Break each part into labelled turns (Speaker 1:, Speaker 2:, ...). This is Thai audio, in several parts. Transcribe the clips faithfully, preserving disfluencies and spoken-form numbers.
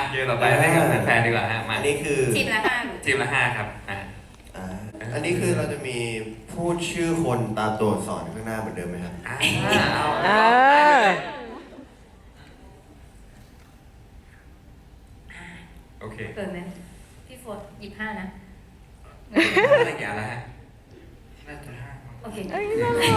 Speaker 1: เกมต่อไปให้กับแฟนๆดีกว่าฮะมา
Speaker 2: อันนี้คือ
Speaker 3: ทีมละห้า
Speaker 1: ทีมละห้าครับอ่า
Speaker 2: อ่าอันนี้คือเราจะมีพูดชื่อคนตามตัวอักษรข้างหน้าเหมือนเดิมไหมครับ
Speaker 1: อ่า
Speaker 4: เออ
Speaker 1: โอเค
Speaker 3: เปิดไหมพี่โฟร์หยิบห้านะ
Speaker 1: อะไรอย่างแล้วฮะน่าจะห้า
Speaker 3: โอเค
Speaker 4: เอ้ยน่ารัก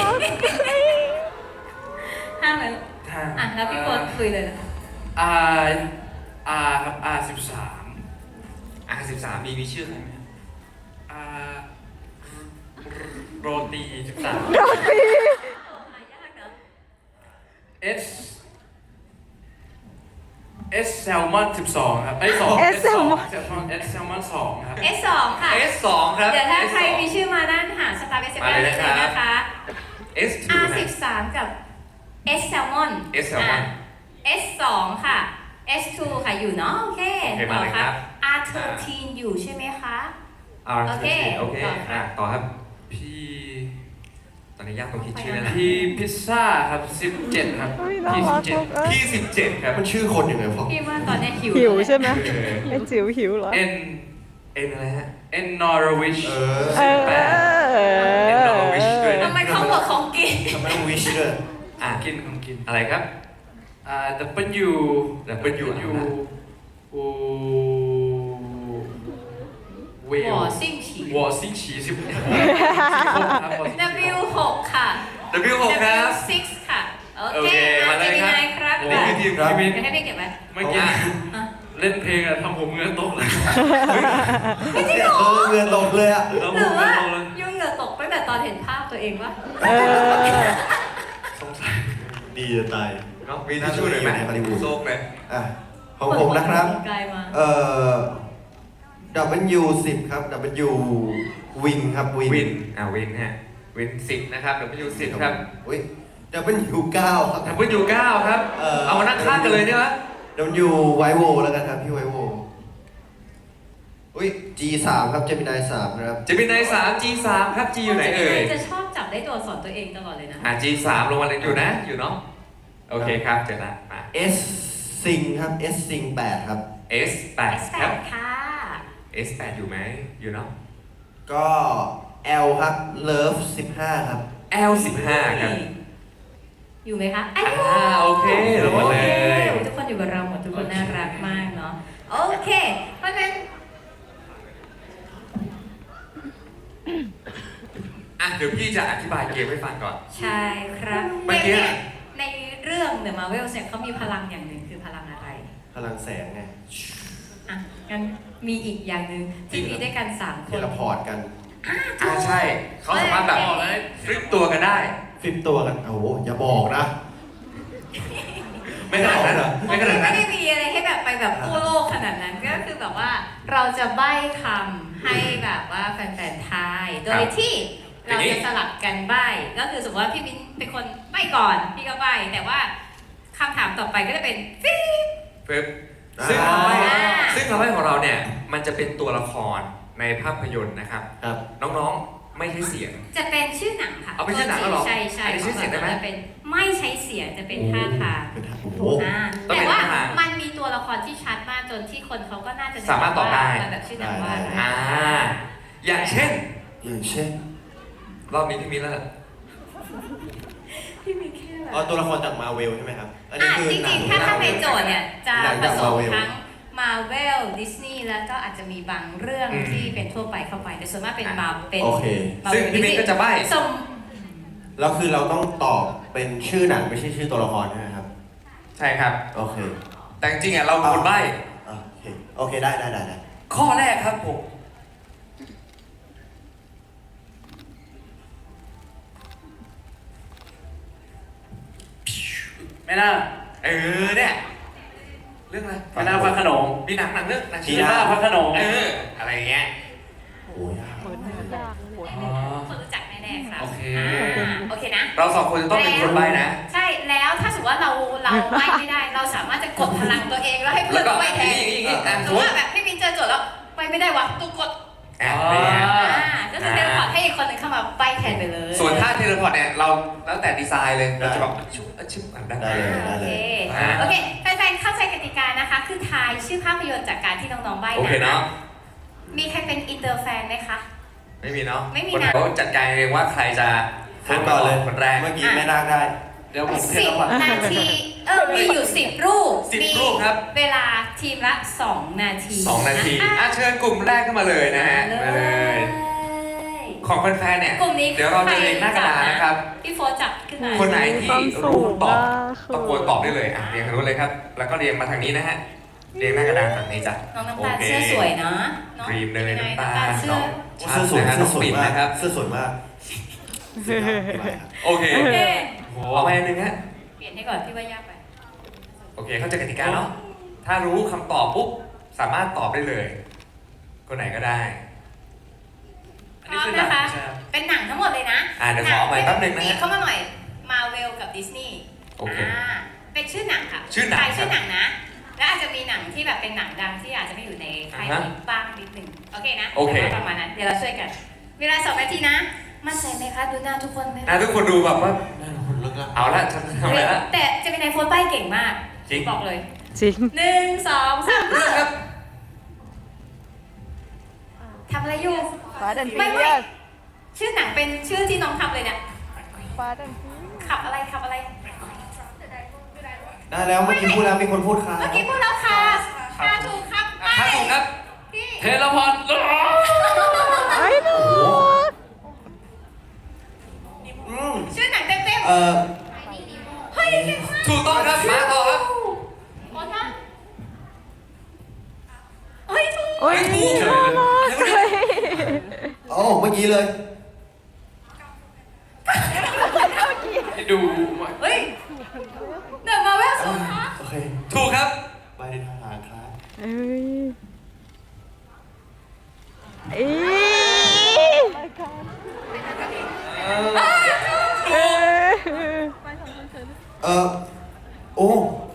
Speaker 3: ห้าเลย
Speaker 1: ห้า
Speaker 3: อ่ะแล้วพี่โฟร์คุยเลยนะคะ
Speaker 1: อาอาครับอาสิบสามอาสิบสามมีมีชื่อใครไหมอาโรตีสิบสาม
Speaker 4: โรตี
Speaker 3: หายากเนอะ
Speaker 1: เอสเอสแซลมอนสิบสองครับไอ้สอง
Speaker 4: เอสแซลมอน
Speaker 1: แซลมอนเอสแซลมอนสองครับ
Speaker 3: เอสสองค่ะ
Speaker 1: เอสสองครับ
Speaker 3: เดี๋ยวถ้า
Speaker 1: เอส
Speaker 3: ใคร
Speaker 1: สอง
Speaker 3: มีชื่อมาด้านหาสตาร์เบสเซ
Speaker 1: มา
Speaker 3: ได้
Speaker 1: เล
Speaker 3: เลย ย
Speaker 1: นะครับ
Speaker 3: นะคะ
Speaker 1: เอสทู
Speaker 3: R
Speaker 1: นะ
Speaker 3: สิบสามกับ S Salmon
Speaker 1: S Salmon
Speaker 3: S สองค่ะ S ทูค่ะอยู่เนาะโอเค
Speaker 1: โอเคมาเลยครับ
Speaker 3: R สิบสามอยู่ใช่ไหมคะ
Speaker 1: อาร์
Speaker 3: โอเค
Speaker 1: โอเค
Speaker 3: ต่อครับ
Speaker 1: อ่ะต่อครับพี่ตอนนี้ยากตรงคิดชื่อนะ
Speaker 5: พี่พิซซ่าครับสิบเจ็ดครับ
Speaker 4: เฮ้ยน่า
Speaker 5: พี่
Speaker 4: รั
Speaker 5: สิ
Speaker 4: ก
Speaker 5: บเจ็ด
Speaker 4: เอ้ย
Speaker 1: พี่สิบเจ็ดครับ
Speaker 2: มันชื่อคนยังไงพ่อ
Speaker 3: พี่ว่าตอนเนี้ยหิว
Speaker 4: หิว
Speaker 3: แล้วแหละ
Speaker 4: ใช่ไหม
Speaker 1: เออ
Speaker 4: ไอ้จิ๋วหิวเหรอ
Speaker 5: เอ็น
Speaker 1: เอ็นอะไรฮะ
Speaker 5: เอ็นนอร์วิช
Speaker 2: เอ
Speaker 4: เอ
Speaker 2: อ
Speaker 4: อ
Speaker 1: เอ็นดอร์วิชด้วยนะ
Speaker 3: ทำไมเขาบอกของกิน
Speaker 2: ทำไมต้องวิชด้วย
Speaker 1: อ่ะ
Speaker 5: กินของกิน
Speaker 1: อะไรครับ
Speaker 5: อ่า W
Speaker 1: W
Speaker 5: W อูเว
Speaker 3: ห
Speaker 5: ล
Speaker 3: วอซิ่งฉี
Speaker 5: วอซิงฉีสิบหกครับ
Speaker 3: W หกค่ะ
Speaker 1: W หกครับ
Speaker 3: W หกค่ะ โอ
Speaker 1: โอ
Speaker 3: เค
Speaker 1: เคมาเลยครับ
Speaker 3: นายครับ
Speaker 5: โอ้
Speaker 1: นี่คือทีมครับ
Speaker 5: พี่
Speaker 3: เดี๋ยวให้พี่เก็บไว้
Speaker 5: เมื่อกี้
Speaker 3: อ่ะ
Speaker 5: เล่นเพลงอะทำผมเหงื่อตกเลย
Speaker 3: ไม่จริงเหรอ
Speaker 2: เออเงินตกเลยอ่ะ
Speaker 5: ทำ
Speaker 3: ห
Speaker 5: ผ
Speaker 3: รื
Speaker 5: ม
Speaker 3: อ
Speaker 5: เหงื่
Speaker 3: ว่า
Speaker 5: อตกเลย
Speaker 3: ยุ่งเหงื่อตกตั้งแต่ตอนเห็นภาพตัวเองวะ
Speaker 4: เออ
Speaker 5: สงสัย
Speaker 2: ดีจะตาย
Speaker 1: เนาะมีทิชชู่หน่อยไหม
Speaker 2: ในฮอลลีวูด
Speaker 1: โซกเลย
Speaker 2: อ่ะของผมนะครับ
Speaker 3: ไกลมา
Speaker 2: เอ่อ W สิบครับ W วินครับวิน
Speaker 1: วินอ่าวินฮะวินสิบนะครับ W สิบครับ
Speaker 2: อุ้ย W เก้าครับ
Speaker 1: W เก้าครับ
Speaker 2: เอ่อ
Speaker 1: เอามานั่งข้างกันเลยได้ไหม
Speaker 2: W ไวโวแล้วกันครับพี่ไวโวอุ้ย G สามครับ Gemini สามครับ
Speaker 1: จะเป็นในสาม G สามครับ G อยู่ไหนเอ่ย
Speaker 3: จะชอบจับได้ตัวสอนตัวเองตลอดเลยนะ
Speaker 1: อ่า G สามลงมาเลยอยู่นะ อยู่เนาะ โอเคครับเจอละมา
Speaker 2: S ซิงครับ S ซิงแปดครับ
Speaker 1: S แปด
Speaker 3: S แป
Speaker 1: ครับ
Speaker 3: ดค่ะ
Speaker 1: S แปดอยู่ไหมอยู่เนาะ
Speaker 2: ก็ L ครับ Love สิบห้าครับ
Speaker 1: L สิบห้าครับ
Speaker 3: อยู่ไหมคะ
Speaker 1: อ่าโอเคลงมาเลย
Speaker 3: โอคทุกคนอยู่กับเราหมดทุกคนน่ารักมากเนาะ โอเค เพราะฉะนั้น
Speaker 1: อ่ะเดี๋ยวพี่จะอธิบายเกมให้ฟังก่อน
Speaker 3: ใช่ครับ
Speaker 1: เมื่อกี้
Speaker 3: นี่ยในเรื่อง The Marvels เนี่ยเขามีพลังอย่างหนึ่งคือพลังอะไร
Speaker 2: พลังแสงไง
Speaker 3: อ่ะงั้นมีอีกอย่างหนึ่งที่มีด้วยกันสามค
Speaker 2: เท
Speaker 3: น
Speaker 2: เลพอร์ตกัน
Speaker 1: อ่าใช่ เขาสามารถแบบฟลิปตัวกันได้
Speaker 2: ฟลิปตัวกัน โอ้โห อย่าบอกนะ
Speaker 1: ไม่ขนาดนั้นเหรอ
Speaker 3: ผม
Speaker 1: ไม่ขนาด
Speaker 3: ไม่
Speaker 1: นั้น
Speaker 3: ได้มีอะไรให้แบบไปแบบกู้โลกขนาดนั้นก็คือแบบว่าเราจะใบ้คำให้แบบว่าแฟนๆทาย โดยที่เราจะสลับกันใบ้ก็คือสมมติว่าพี่มิ้นเป็นคนใบ้ก่อนพี่ก็ใบ้แต่ว่าคำถามต่อไปก็จะเป็นฟีด
Speaker 1: ปึ๊บซึ่ง
Speaker 2: อ่า
Speaker 1: คำใบ้
Speaker 3: อ่า
Speaker 1: ซึ่งคำใบ้ของเราเนี่ย มันจะเป็นตัวละครในภาพยนตร์นะครับ
Speaker 2: ครับ
Speaker 1: น้องๆ ไม่ใช่เสียง
Speaker 3: จะเป็นชื่อหนังค่ะ
Speaker 1: เอาเป็นชื่อหนังแล้วเหรอ
Speaker 3: ใช่ใช่
Speaker 1: อันนี้ชื่อเสียงได้ไหม
Speaker 3: จะเป็นไม่ใช้เสียงจะเป็นท่าทาง
Speaker 2: เป็นท่าโอ้โห
Speaker 3: อ่า
Speaker 1: ต้อง
Speaker 3: แต่
Speaker 1: เป็น
Speaker 3: ว่า
Speaker 1: ท่าทาง
Speaker 3: มันมีตัวละครที่ชัดมากจนที่คนเขาก็น่าจะ
Speaker 1: สามารถตอบได้
Speaker 3: ว่าแบบชื่อหนังว่าอะไร
Speaker 1: อ่า อย่างเช่น
Speaker 2: อย่างเช่น
Speaker 1: รอบนี้พี่มิ้นแล้วล่ะ
Speaker 3: ที่มีแค่แบบ
Speaker 2: อ๋อตัวละครจากมาเวลใช่ไหมครับ อันนี้
Speaker 3: อ่ะ
Speaker 2: คือ
Speaker 3: จ
Speaker 2: หนั
Speaker 3: ริ
Speaker 2: ง
Speaker 3: งๆ ถ้าถ้าในโจทย์เนี่ยจะ
Speaker 2: หนัง
Speaker 3: ผ
Speaker 2: จาก
Speaker 3: สม
Speaker 2: Marvel
Speaker 3: ทั้ง Marvel Disney แล้วก็อาจจะมีบางเรื่อง
Speaker 1: อืม
Speaker 3: ที่เป็นทั่วไปเข้าไป แต่ส่วนมากเป็น
Speaker 1: อ่ะ
Speaker 3: มาเป็น
Speaker 2: โอเค
Speaker 3: Marvel
Speaker 1: ซึ่งพี่มิ้นก็จะใบ้
Speaker 3: สม
Speaker 2: แล้วคือเราต้องตอบเป็นชื่อหนังไม่ใช่ชื่อตัวละครใช่ไหมครับ
Speaker 1: ใช่ครับ
Speaker 2: โอเค
Speaker 1: แต่จริงๆอ่ะเราเป็นคนใบ้
Speaker 2: อ่ะโอเค โอเค ได้ได้ได้ได้
Speaker 1: ข้อแรกครับผม
Speaker 5: ไม่น่า
Speaker 1: เออเนี่ย เรื่องอะไร
Speaker 5: ไม่น่าพระโขนง
Speaker 1: มีหนังหนังเรื่องหนัง
Speaker 5: ชีน่าพระโขนง
Speaker 1: เออ อะไรอย่างเงี้ย
Speaker 2: โอ้ยยาก
Speaker 5: อ๋อ
Speaker 3: คนรู้จักแน่ๆครับ
Speaker 5: โอเค
Speaker 3: อ่าโอเคนะ
Speaker 1: เราสองคนจะต้องเป็นคนใบ้นะ
Speaker 3: ใช่แล้วถ้าสมมติว่าเราเราใบ้ไม่ได้ เราสามารถจะกดพลังตัวเองแล้วให้เพื่
Speaker 1: แล้
Speaker 3: อน
Speaker 1: วก็
Speaker 3: ใบ้แทน
Speaker 1: อย่างงี้อย่างงี้อ่ะ
Speaker 3: สมมติว่าแบบพี่มินเจอโจทย์แล้วใบ้ไม่ได้วะตูกด
Speaker 1: แอบเนี่ย
Speaker 3: อ่าก็คือเทเลพอร์ตให้อีกคนหนึ่งเข้ามาใบ้แทนไปเลย
Speaker 1: ส่วนท่าเทเลพอร์ตเนี่ยเราแล้วแต่ดีไซน์เลย เราจะแบบชุบชุบอ่านได้
Speaker 2: ได้เลยได้
Speaker 3: โอ
Speaker 2: เล
Speaker 3: เค
Speaker 2: ย
Speaker 1: อ่า
Speaker 3: โอเคแฟนๆเข้าใจกติกานะคะนะคะ คือทายชื่อภาพยนตร์จากการที่น้องๆใบ้
Speaker 1: โอเค
Speaker 3: นะ
Speaker 1: เนาะ
Speaker 3: มีใครเป็นอินเตอร์แฟนไหมคะ
Speaker 1: ไม่มีเนาะ
Speaker 3: ไม่มี
Speaker 1: คน
Speaker 3: นะ
Speaker 1: เขาจัดการเองว่าใครจะ
Speaker 2: พูดก่อนเลย
Speaker 1: คนแรก
Speaker 2: เมื่อกี้ไม่น่าได้
Speaker 5: เดี๋ยวผมเท
Speaker 3: สิบ
Speaker 5: ละพัน
Speaker 3: นาที เออ มีอยู่สิบรูป
Speaker 1: สิบ
Speaker 3: มี
Speaker 1: รูปครับ
Speaker 3: เวลาทีมละสองนาที
Speaker 1: สองนาที
Speaker 3: ะ
Speaker 1: อ่ะเชิญกลุ่มแรกขึ้นมาเลยนะฮะ
Speaker 3: มา
Speaker 1: มา
Speaker 3: เล
Speaker 1: เลย
Speaker 3: ย
Speaker 1: ของแฟนๆเนี่ย
Speaker 3: กลุ่มนี้
Speaker 1: เดี๋ยวเราจะเรียงหน้ากระดานนะครับ
Speaker 3: พี่โฟร์จับขึ้นมา
Speaker 1: คนไหนที่
Speaker 4: ความสู
Speaker 1: รู้
Speaker 4: ง
Speaker 1: ตอบ
Speaker 4: มากคือ
Speaker 1: ตะโกนตอบได้เลยอ่ะเรียงทางนู้นเลยครับ แล้วก็เรียงมาทางนี้นะฮะ เรียงหน้ากระดานฝั่งนี้จ้ะ
Speaker 3: น้องน้ำ
Speaker 1: โอ
Speaker 3: ตาล
Speaker 1: เค
Speaker 3: เสื้อสวยเนาะน้อง
Speaker 1: ครีมเนยน้ำตาล
Speaker 3: เสื้อ
Speaker 1: น้อง
Speaker 2: เสื้อสวย
Speaker 1: นะฮะ
Speaker 2: เสื้
Speaker 1: น้
Speaker 2: อ
Speaker 1: อง
Speaker 2: สวย
Speaker 1: ปิ่น
Speaker 2: มาก
Speaker 1: นะครับ
Speaker 2: เสื้อสวยมาก
Speaker 1: โอเค
Speaker 3: โอเค
Speaker 5: โอ้โห
Speaker 1: เอาไปอันหนึงฮะ
Speaker 3: เปลี่ยนให้ก่อนพี่ว่ายากไป
Speaker 1: โอเค เข้าใจกติกาเนาะ ถ้ารู้คำตอบปุ๊บ สามารถตอบได้เลย คนไหนก็ได้
Speaker 3: พร้อมนะคะ เป็นหนังทั้งหมดเลยนะ
Speaker 1: อ่ะเดี๋ยวขอเอาใหม่แป๊บนึงนะฮะ
Speaker 3: ปีเข้ามาหน่อย มาเวลกับดิสนีย์
Speaker 1: โอเค
Speaker 3: อ่าเป็นชื่อหนังค่ะ
Speaker 1: ชื่อหนัง
Speaker 3: ทายชื่อ
Speaker 1: ครับ
Speaker 3: หนังนะ และอาจจะมีหนังที่แบบเป็นหนังดังที่อาจจะไม่อยู่ในค่าย
Speaker 1: อ่าฮะ
Speaker 3: นี้บ้างนิดหนึ่งโอเคนะ
Speaker 1: โอเค
Speaker 3: ดี๋ยวประมาณนั้น เดี๋ยวเราช่วยกัน เวลาสองนาทีนะ มั่นใจไหมคะ ดูหน้าทุกคนไหม
Speaker 1: อ่ะทุกคนดูแบบว่า เอาละฉันทำอะไรละ
Speaker 3: แต่จะเป็นในโฟนป้ายเก่งมาก
Speaker 1: จริง
Speaker 3: บอกเลย
Speaker 4: จริง
Speaker 3: หนึ่งสองสาม
Speaker 1: เรื่องครับ
Speaker 3: ทำอะไรอยู่
Speaker 4: ฟ้าดัน
Speaker 3: ไม่
Speaker 4: เฟี
Speaker 3: ไม่
Speaker 4: ยส
Speaker 3: ชื่อหนังเป็นชื่อที่น้องทำเลยเนี่ย
Speaker 4: ฟ้าดันเฟียส
Speaker 3: ขับอะไรขับอะไร
Speaker 2: ได้แล้วเมื่อกี้พูดแล้วมีคนพูดค่ะ
Speaker 3: เมื่อกี้พูดแล้วค่ะค่ะถูกครับไป
Speaker 1: อ่ะถูกครับ
Speaker 3: พี่
Speaker 5: เทละพัน
Speaker 4: ไอ้หนู
Speaker 2: อืม
Speaker 3: ชื่อหนังเต็ม
Speaker 2: เอ่อ
Speaker 3: ๆเฮ้ยเก่งมาก
Speaker 1: ถูกต้องครับ มาต่อครับ
Speaker 3: โอ้ท่าเฮ้ยถูก
Speaker 4: โอ้ย
Speaker 1: ไม่ถูกเลย
Speaker 4: น่ารักเลย
Speaker 2: โอ้เมื่อกี้เลย
Speaker 5: ให้ดู
Speaker 3: เฮ้ยเดินมาแววสูงคะ
Speaker 2: โอเค
Speaker 1: ถูกครับ
Speaker 2: ไปในทางครับ
Speaker 4: เอ้ยอี
Speaker 1: เออ
Speaker 4: เอ้ย
Speaker 2: เอ่อโอ้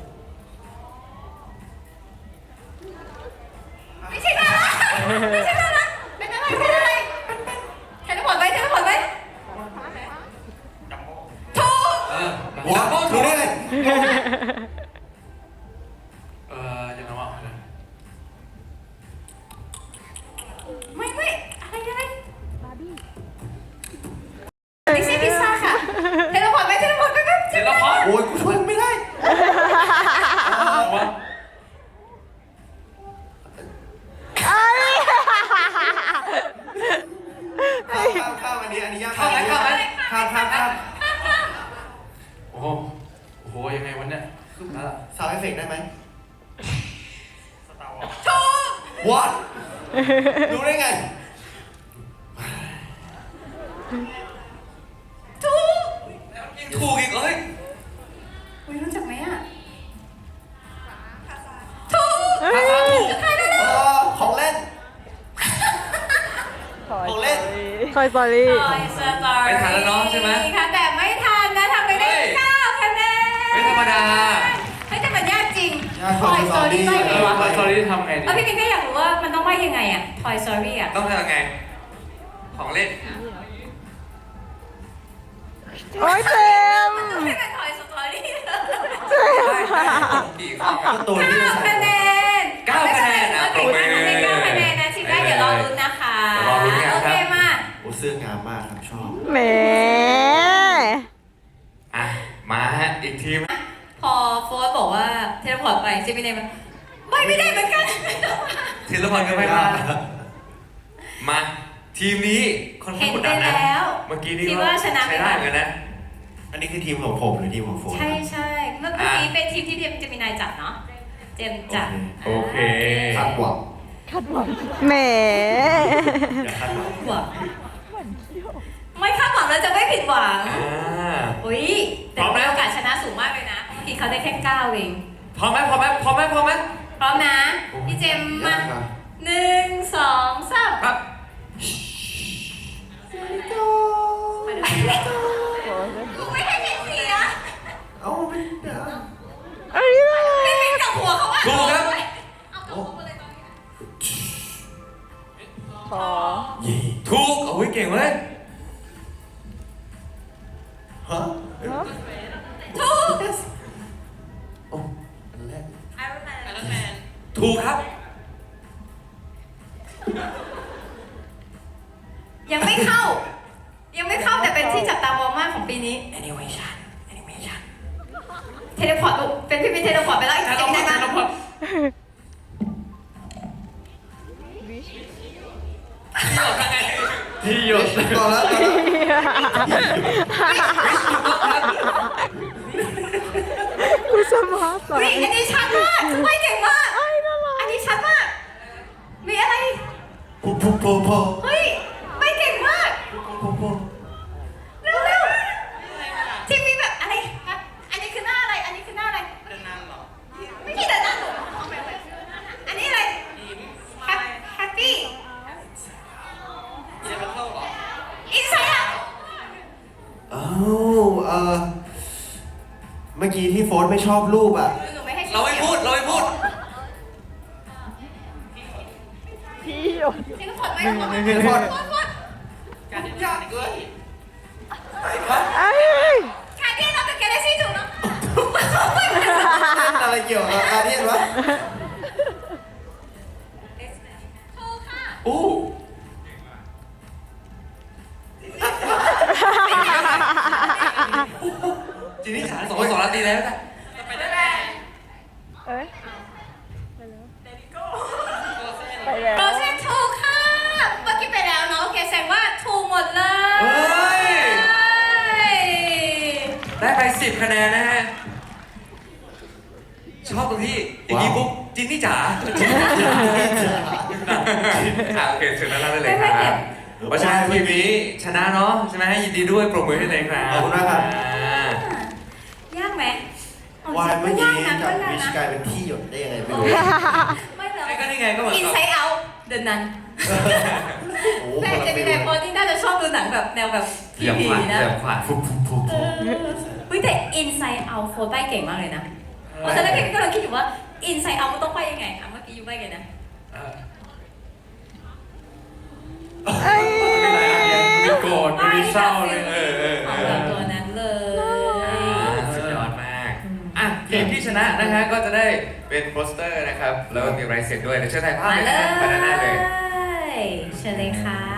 Speaker 3: ไม่ใช่น่ารักไม่ใช่น่ารักเป็นอะไรเป็นอะไรเทเลพอร์ตไว้เทเลพอร์ตไว้ถูก
Speaker 1: เออ
Speaker 2: ว้าวรู้ได้ไง
Speaker 5: เอ่อยังไงวะ
Speaker 3: ไม่ไม่อะไรอะไรดิซี่พิซซ่าค่ะเทเลพอร์ตไว้เทเลพอร์ตไว้แป๊บ
Speaker 5: เทละพัน
Speaker 2: โอ้ยกูช่วยไม่ได้
Speaker 5: วะ
Speaker 2: ข้ามข้ามข้ามอันนี้อันนี้ยาก
Speaker 1: เข้าไหมเข้าไหม
Speaker 2: ข้ามข้ามข้าม
Speaker 5: โอ้โหโอ้โหยังไงวันเนี้ยขึ้นแล้วล่ะ
Speaker 2: ซาวด์เอฟเฟกต์ได้ไหม
Speaker 5: สตาร์วอร์
Speaker 3: ถูก
Speaker 2: What รู้ได้ไง
Speaker 3: ถูก
Speaker 1: ยังถูกอีกเอ้ย
Speaker 3: อุ้ยรู้จักไหมอ่ะถูก
Speaker 4: เอ้ย
Speaker 1: ภาษาถูก
Speaker 3: ใครได้เลย
Speaker 2: เอ่อของเล่น ของเล่น
Speaker 4: คอยสตอรี่
Speaker 3: ทอยสตอรี่
Speaker 1: ไม่ทันแล้วเนาะใช่ไหม
Speaker 3: ค่ะแต่ไม่ทันนะทำไปได้
Speaker 1: เฮ้ย
Speaker 3: เก้าคะแนน
Speaker 1: ไม่ธรรมดา
Speaker 3: เฮ้ยแต่มันยากจริง
Speaker 2: ยาก
Speaker 3: ทอยสตอรี่
Speaker 2: Toy
Speaker 3: ได้
Speaker 5: เอ
Speaker 3: ไง
Speaker 5: อ
Speaker 3: วะ
Speaker 5: มาสตอรี่ทำไงดี
Speaker 3: เออพี่ปิ๊กก็อยากรู้ว่ามันต้องว่ายังไงอ่ะทอยสตอรี่อ่ะ
Speaker 1: ต้องทำยังไง ของเล่น
Speaker 4: โอ้ยเต็ม
Speaker 3: ไม่เป็นทอยสตอรี่
Speaker 1: ได้ได้กี่ข้อค
Speaker 2: ก็
Speaker 1: รับ
Speaker 2: ตัวที่
Speaker 3: เก้า
Speaker 2: เราใส่
Speaker 3: คะแนน
Speaker 1: เก้าคะแนนอ่ะ
Speaker 3: โอเคค่ะได้เก้าคะแนนนะทีมได้เดี๋ยวรอลุ้นนะคะ
Speaker 1: เดี๋ยวรอลุ้นกันครับ
Speaker 3: โอเคมา
Speaker 2: โอ้เสื้องามมากครับชอบ
Speaker 4: แหม
Speaker 1: อ่ะ มาฮะ อีกทีม
Speaker 3: พอโฟร์บอกว่าเทเลพอร์ตไปเจมินายมันไม่ไม่ได้เหมือนกัน
Speaker 1: ธีรพรก็ไม่พลาดมา ทีมนี้ค่อนข้า
Speaker 3: เห็
Speaker 1: ง
Speaker 3: น
Speaker 1: กด
Speaker 3: ไป
Speaker 1: ดันนะ
Speaker 3: แล้ว
Speaker 1: เมื่อกี้นี่
Speaker 3: คิด
Speaker 1: ก็
Speaker 3: ว่าชนะไป
Speaker 1: ใช้ได้เหมือนกันนะ
Speaker 2: อันนี้คือทีมของผมหรือทีมของโฟน
Speaker 3: ใช่ใช่เมื่อกี้เป็นทีมที่เจมินายจัดเนาะเจมจัด
Speaker 1: โอเค
Speaker 2: คาดหวัง
Speaker 4: แหม
Speaker 2: อย่าคาดหวัง
Speaker 3: หวังไม่คาดหวังแล้วจะไม่ผิดหวัง
Speaker 1: อ่า
Speaker 3: อุ้ยแต่
Speaker 1: พร้อมไหม
Speaker 3: โอกาสชนะสูงมากเลยนะเมื่อกี้เขาได้แค่เก้าเอง
Speaker 1: พร้อมไหมพร้อมไหมพร้อมไหมพร้อมไหม
Speaker 3: พร้อมนะพี่เจมมาย
Speaker 2: ากครับ
Speaker 3: หนึ่งสองสาม
Speaker 1: ครับ
Speaker 3: กูไม่ให้เห็นเสีย
Speaker 2: เอ้าไม่เดี๋ยว
Speaker 4: อันนี้อะไร
Speaker 3: ไม่เป็นกับหัวเขาอะ
Speaker 1: ถูกครับ
Speaker 3: เอากับหัวมาเลยตอนนี้
Speaker 4: ขอ
Speaker 2: เย่
Speaker 1: ถูกโอ้ยเก่งเว้ย
Speaker 2: ฮะ
Speaker 4: เนาะ
Speaker 3: ถูก
Speaker 2: โอ้อันแรก
Speaker 3: ไอรอนแมน
Speaker 1: ถูกครับ
Speaker 3: ยังไม่เข้า ยังไม่เข้าแต่เป็นที่จับตามองมากของปีนี้ animation animation เทเลพอร์ตลูกเป็นพี่พี่เทเลพอร์ตไปแล้วอีก
Speaker 1: แต่
Speaker 3: เก่
Speaker 1: เรา
Speaker 3: ง
Speaker 1: พ
Speaker 3: ได้
Speaker 1: อ
Speaker 3: ไหม
Speaker 1: แต่เราพอที่หยด
Speaker 2: ต่อแล้วต่อแล้ว
Speaker 4: กูสมาร์ท
Speaker 3: เฮ้ยอันนี้ชัดมากไม่เก่งมาก
Speaker 4: ไอ้น่ารัก
Speaker 3: อันนี้ชัดมาก มีอะไร
Speaker 2: พุพุโพโพ
Speaker 3: เฮ้ย ไม่เก่งมาก
Speaker 2: โพโพ
Speaker 3: เร็วเร็วๆที่มีแบบอะไรครับอันนี้คือหน้าอะไร อันนี้คือหน้าอะไรเดินหน้าหรอ ไม่ใช่เดินหน้าหรออันนี้อะไรแฮปปี้อินไซด์เอา
Speaker 2: อ้าวเออเมื่อกี้ที่โฟนไม่ชอบรูปอ่ะ
Speaker 3: หนูไม่ให้
Speaker 1: เราไม่พูด เราไม่พูด
Speaker 4: พี่หยด
Speaker 3: เทเลพอร์ตไหมเทเลพอร์ต
Speaker 2: เทเลพอร์ต
Speaker 3: การที่ยากเกิน
Speaker 4: ไอ้
Speaker 3: การที่เราเป็นแกลเล็กซี่ถูกเนาะ
Speaker 2: อะไรเกี่ยวกับอาเดียนวะ
Speaker 3: ถูกค่ะ
Speaker 1: อู้จีนี่จ๋าสองคนสองนาทีแล้วนะ
Speaker 4: เอ้ยไปแล้ว
Speaker 3: โรเซนถูกค่ะ เมื่อกี้ไปแล้วเนาะโอเคแสดงว่าถูกหมดเลย
Speaker 1: เฮ้ย ได้ไปสิบคะแนนนะฮะ ชอบตรงที่อย่างนี้ปุ๊บจินนี่จ๋าอ่ะโอเคถึงนั้นแล้วได้เลยครับเพราะฉะนั้นทีมนี้ชนะเนาะใช่ไหมยินดีด้วยปรบมือให้เลยครับ
Speaker 2: ขอบคุณมากครับ
Speaker 1: อ่าย
Speaker 3: ากไหม
Speaker 2: วายเมื่อกี้
Speaker 3: ยาก
Speaker 2: จาก
Speaker 3: นะ
Speaker 2: วิชกลายเป็นที่หยดได้ยังไงไม่รู้
Speaker 3: ไม่เลย
Speaker 1: ไอ้ก็นี่ไงก็เหมือน
Speaker 3: อิน
Speaker 1: กับ
Speaker 3: ไซด์เอาเดินนั้น
Speaker 2: โอ้
Speaker 3: แม่
Speaker 2: คนละ
Speaker 3: จะมี
Speaker 2: ฟิล
Speaker 3: แต่โปรที่น่าจะชอบดูหนังแบบแนวแบบ
Speaker 1: เหยียบ
Speaker 3: ผี
Speaker 1: ขวาน
Speaker 3: ๆนะ
Speaker 1: เหยียบขวาน
Speaker 2: ฟุบฟุบฟุบ
Speaker 3: เออเฮ้ยแต่ Inside Out โฟร์ใบเก่งมากเลยนะเพราะตอนแรกพี่ก็เลยคิดอยู่ว่า Inside Out มันต้องไปยังไงอ่ะเมื่อกี้ยูใบไงนะ
Speaker 1: เออ
Speaker 4: ไอ้
Speaker 1: ไม่เป็นไรอ่ะไม่โกรธไม่มีเศร้าเลยเออเออ
Speaker 3: ข
Speaker 1: เอ
Speaker 3: อง
Speaker 1: อ
Speaker 3: แบบตัวนั้นเลย
Speaker 1: อ่าสุดยอดมาก อ่ะทีมที่ชนะนะฮะก็จะได้เป็นโปสเตอร์นะครับ แล้วก็มีลายเซ็นด้วยเดี๋ยวเชิญถ่ายภาพ
Speaker 3: มา
Speaker 1: เลย
Speaker 3: เล
Speaker 1: นะฮะมาด้านหน้าเลย
Speaker 3: ยเชิญเลยค่ะ